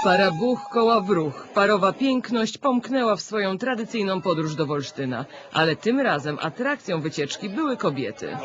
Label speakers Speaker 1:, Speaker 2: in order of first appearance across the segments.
Speaker 1: Para buch koła wróg. Parowa piękność pomknęła w swoją tradycyjną podróż do Wolsztyna, ale tym razem atrakcją wycieczki były kobiety.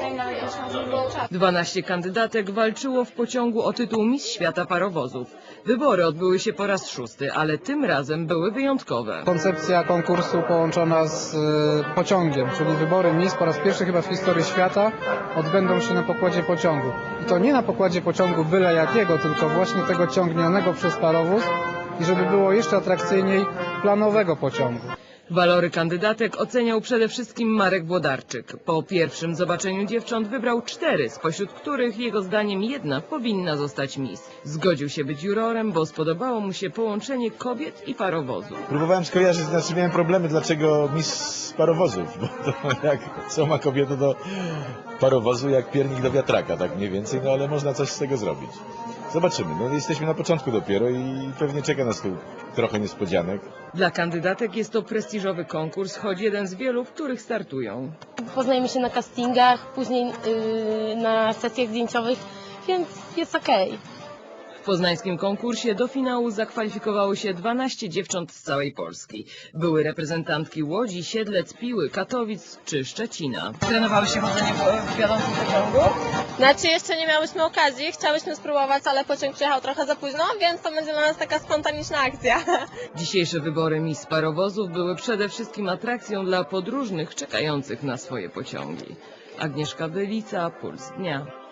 Speaker 1: 12 kandydatek walczyło w pociągu o tytuł Miss Świata Parowozów. Wybory odbyły się po raz 6, ale tym razem były wyjątkowe.
Speaker 2: Koncepcja konkursu połączona z pociągiem, czyli wybory Miss po raz pierwszy chyba w historii świata odbędą się na pokładzie pociągu. I to nie na pokładzie pociągu byle jakiego, tylko właśnie tego ciągnionego przez parowóz i żeby było jeszcze atrakcyjniej planowego pociągu.
Speaker 1: Walory kandydatek oceniał przede wszystkim Marek Włodarczyk. Po pierwszym zobaczeniu dziewcząt wybrał 4, spośród których jego zdaniem jedna powinna zostać Miss. Zgodził się być jurorem, bo spodobało mu się połączenie kobiet i parowozu.
Speaker 3: Próbowałem skojarzyć, znaczy miałem problemy, dlaczego Miss parowozów, bo to jak co ma kobieta do parowozu, jak piernik do wiatraka, tak mniej więcej, no ale można coś z tego zrobić. Zobaczymy, no jesteśmy na początku dopiero i pewnie czeka nas tu trochę niespodzianek.
Speaker 1: Dla kandydatek jest to prestiżowy konkurs, choć jeden z wielu, w których startują.
Speaker 4: Poznajemy się na castingach, później na sesjach zdjęciowych, więc jest okej.
Speaker 1: W poznańskim konkursie do finału zakwalifikowało się 12 dziewcząt z całej Polski. Były reprezentantki Łodzi, Siedlec, Piły, Katowic czy Szczecina. Trenowały się chodzenie w wiodącym pociągu?
Speaker 5: Znaczy jeszcze nie miałyśmy okazji, chciałyśmy spróbować, ale pociąg przyjechał trochę za późno, więc to będzie dla nas taka spontaniczna akcja.
Speaker 1: Dzisiejsze wybory Miss Parowozów były przede wszystkim atrakcją dla podróżnych czekających na swoje pociągi. Agnieszka Bylica, Puls Dnia.